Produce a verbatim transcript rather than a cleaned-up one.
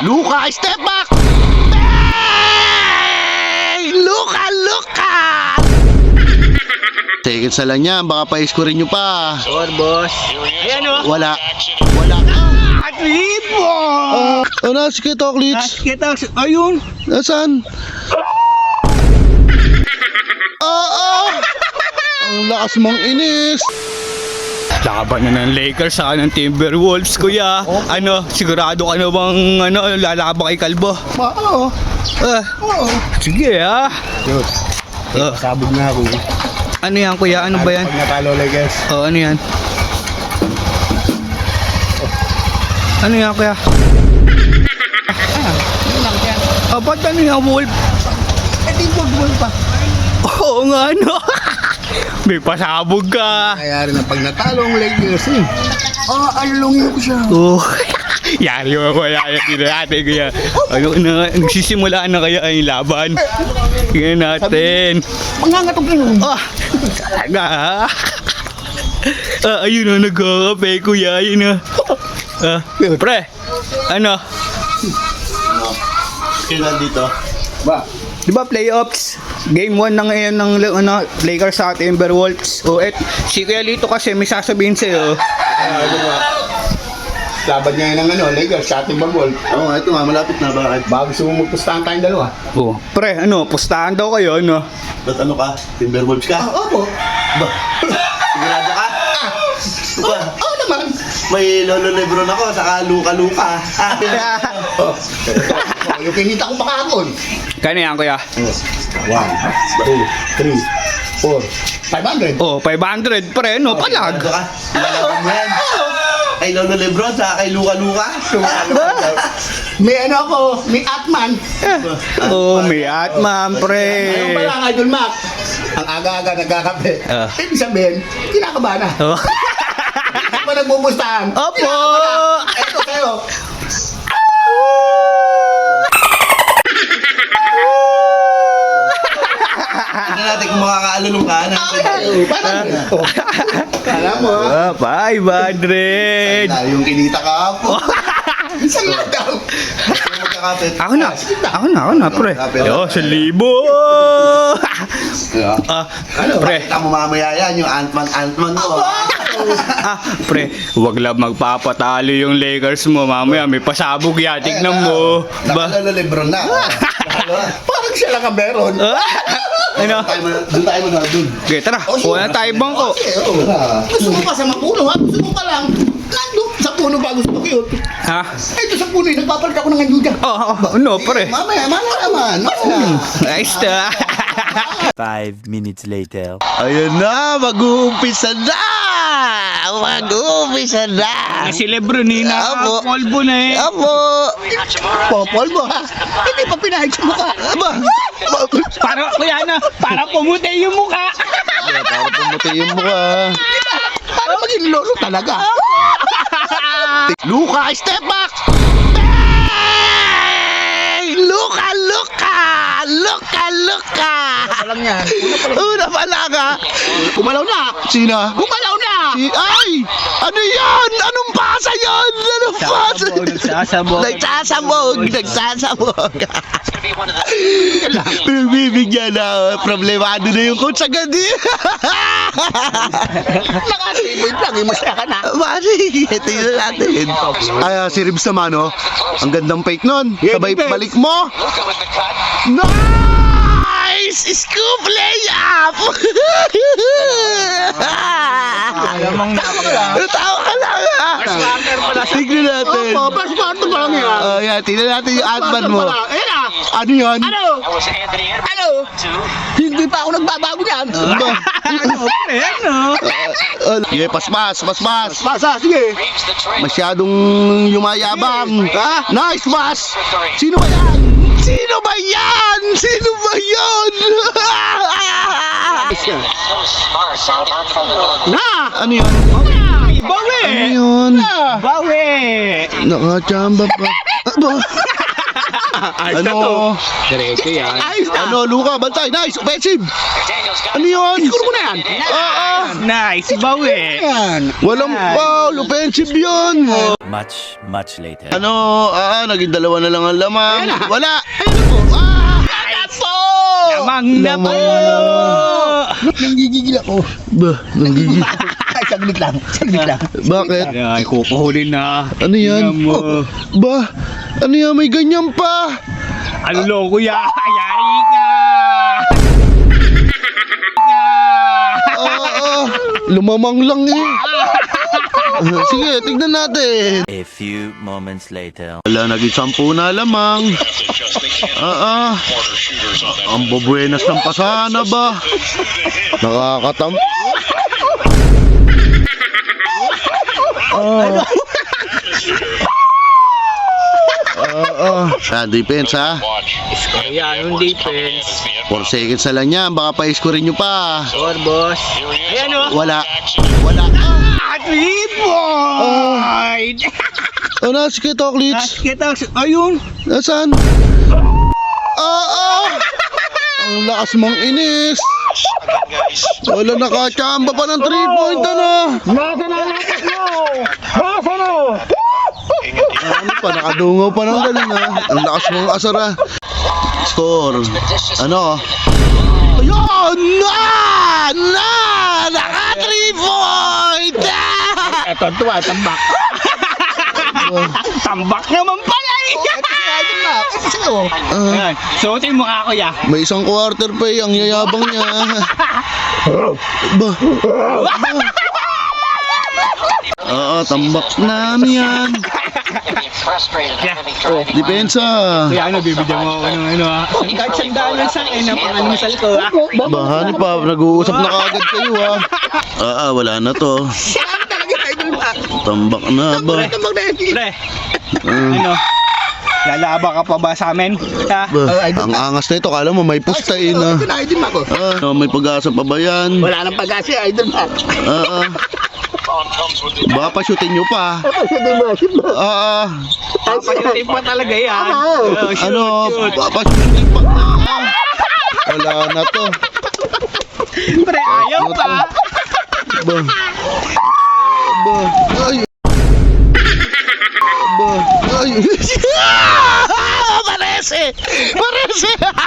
Luka, step back! Hey! Luka, Luka! Seconds na lang yan, baka pa-score nyo pa. Sure, boss. Ayan o. Wala. Wala. Ah, tripo! Ah, oh, nasa kita, Klitz. Kita, ayun. Nasaan? Ah, ah! Ang lakas mong inis. Laban na ng Lakers sa ng Timberwolves, kuya. Ano, sigurado ka na bang ano, lalaban kay Kalbo? Oo. Ah, Oo. sige ah. Yun. Ah, Sabog na ako. ano yan, kuya? Ano ba yan? Pag natalo, Lakers. Oh, ano yan? Ano yan, kuya? Ah, ba't ano yan, Wolf? Eh, di bol pa. Oo nga, ano? May pasabog ka. Kaya rin na pag natalo ang Lakers eh. Ah, alulungin ko siya. Oh. Yari mo ko yan. Tignan natin kaya. Ano na, nagsisimula na kaya yung laban. Tignan natin. Mangangatog yun. Ah, talaga ha. Ah, ayun na, nagkakape kuya. Ayun na. Ah, pre, ano? Kailan dito? Ba? Di ba playoffs? Game one na ngayon ng ano, Lakers sa Timberwolves. O et, si Kuya Lito kasi may sasabihin sa'yo. Ah, ano nga. Laban niya yun ng ano, Lakers sa ating bagol. Oo nga, ito nga, malapit na. Bakit? Bago gusto mo magpustahan tayong dalawa. Oh, pre, ano, pustahan daw kayo, ano? Ba't ano ka? Timberwolves ka? Opo. Ba? Sigurado ka? Ba? Oo naman. May Lolo Lebron ako, saka Luka-Luka. Oh. Oh, yung kinita ko pakakon. Kano yan, kuya? One, two, three, four, five hundred. Oh, five hundred, pre, no, palag. Sigurado ka? Lalaban mo yan? Kay Lolo Lebron, saka kay Luka-Luka? May ano ako, may Atman. Oh, may atman, pre. Ayun pa lang, Idol Mac. Ang aga-aga nagkakape. Ah. Ibig sabihin, kinakabahan na. Oh. Hindi ba nagbubustahan? Opo. Kinakabahan na. Eto sa'yo. Tignan natin kung makakaalulong ka na. Ay, parang. Oh. Kala mo, ha? Ah, five hundred. Dahil yung kinita ka po. Isang lang daw. Magkakapit. Ako na, ako na, ako na, pre. Yo, sa libo. Ah, Ano, pre. Pakita mo mamaya yan, yung Ant-Man, Ant-Man mo. Ah, pre, wag lang magpapatalo yung Lakers mo. Mamaya may pasabog yan. Tignan mo. Ba? Nakalala Lebron na. Nakalo na. Parang siya lang ang meron. Ah, ano? Tayo mo- Doon tayo muna, doon. Okay, tara. Kuha na tayo bangko. Okay, oo. Gusto mo pa sa mapuno, ha? Gusto mo pa lang. Nandun sa puno ba gusto ko yun? Ha? Ito sa puno, eh, nagpapalit ako ng anduja. Oh, oh, no, pre. Mamaya, mamaya naman. Mamaya. Nice na. Five minutes later. Ayun na, mag-uumpisa na! Mag-uumpisa na! Si Lebron eh, Apo. nakapolvo na eh. Apo! Popol mo, ha? Hindi pa pinahit sa mukha. Aba! Para, kuya na, para pumuti yung mukha. Para pumuti yung mukha. Para maging lolo talaga. Luka, step back! Hey! Luka, Luka! Luka, Luka! Alam yan. Una pa lang ha? Kumalaw na. Sino? Kumalaw na. Si, ay! Ano yan? Anong pasa yan? Anong pasa? Nagsasabog. Nagsasabog! Nagsasabog! Pinagbibigyan na. Problemado na yung coach agad eh. Nakatibig lang. eh, Masaya ka na. Mari, tingnan natin. Ay, ah, si Ribs naman, oh. Ang gandang fake nun. Sabay balik mo. Nice! Scoop layup! Alamang napaka. Tawa ka lang, ha? Tignan natin. Opo, passporto pa lang yan. Oh, yan. Tignan natin yung adman mo. Ayan na. Ano yan? Ano? Ano? Hindi pa ako nagbabago niyan. Ano? Ano? Uh, yeah, paspas, paspas. Pasa, sige. Masyadong yumayabang. Ha? Nice pass! Sino ba yan? Sino ba yan? Sino ba yan? Na! Ano yun? Bawi! Ano yun? Bawi! Nakachamba pa. Aba? Ano? Diretso yan. Ayos na. Ano, Luka? Bantay. Nice. Offensive. Ano yun? Siguro mo na yan. Oo. Nice, bawi! Yan. Walang foul. Offensive yun. Much, much later. Ano, ah, naging dalawa na lang ang lamang. Wala! Ayun po! Ah! Nato! Lamang na po! Nanggigigil ako. Bah, nanggigil. Ay, saglit lang. Saglit lang. Bakit? Ay, kukuhulin na. Ano yan? Tingnan mo. Bah, ano yan? May ganyan pa! Ano loko ya? Ayari ka! Ah, ah, lumamang lang eh. Ah, sige, tignan natin. A few moments later. Wala, naging sampu na lamang. Ah, ah. Ang babuenas ng pasana ba? Nakakatam... Ah. Ah, ah. Ah, defense ha. Ayan, yung defense. four seconds na lang yan. Baka pa-score nyo pa. Or boss. Ayan o. Wala. Wala. Ah, three point! Ano, sige, Toklits? Kita, ayun. Nasaan? Ah, ah! Ang lakas mong inis. Wala, nakachamba pa ng three point, ano? Nasa na natin mo! Nasa na! Ano pa, nakadungaw pa ng galing, ha? Ang lakas mong asara. Score. Ano? Ayun! Na! Na! Naka three point! Ah! Eto, tuwa, tambak. Tambak naman pala eh! Ah, Ayan, suotin mo nga ako ya. may isang quarter pa eh, ang yayabang niya. Ba? Oo, tambak na yan. Depensa. Kaya ano, bibigyan mo ako ng ano ha. Kahit sandaan lang sa akin, ang pangalimsal ko ha. Bahani pa, nag-uusap na kagad kayo ha. Ah, ah, wala na to. Tambak na ba? Pre, Ah, ano? Lalaba ka pa ba sa amin? Ha? ba? Ang angas na ito, kala mo may pusta eh na. Idol Mac. Ah, may pag-asa pa ba yan? Wala nang pag-asa, Idol Mac. Ah, ah. Baka pa-shootin nyo pa. Ah, ah. Papasutin pa talaga yan. Oh, shoot, Ano, shoot. baka pa-shootin pa. Ah, wala na to. Pre, ayaw pa. Ba? Ba? Ay. Ba? Ay. Parese! Parese!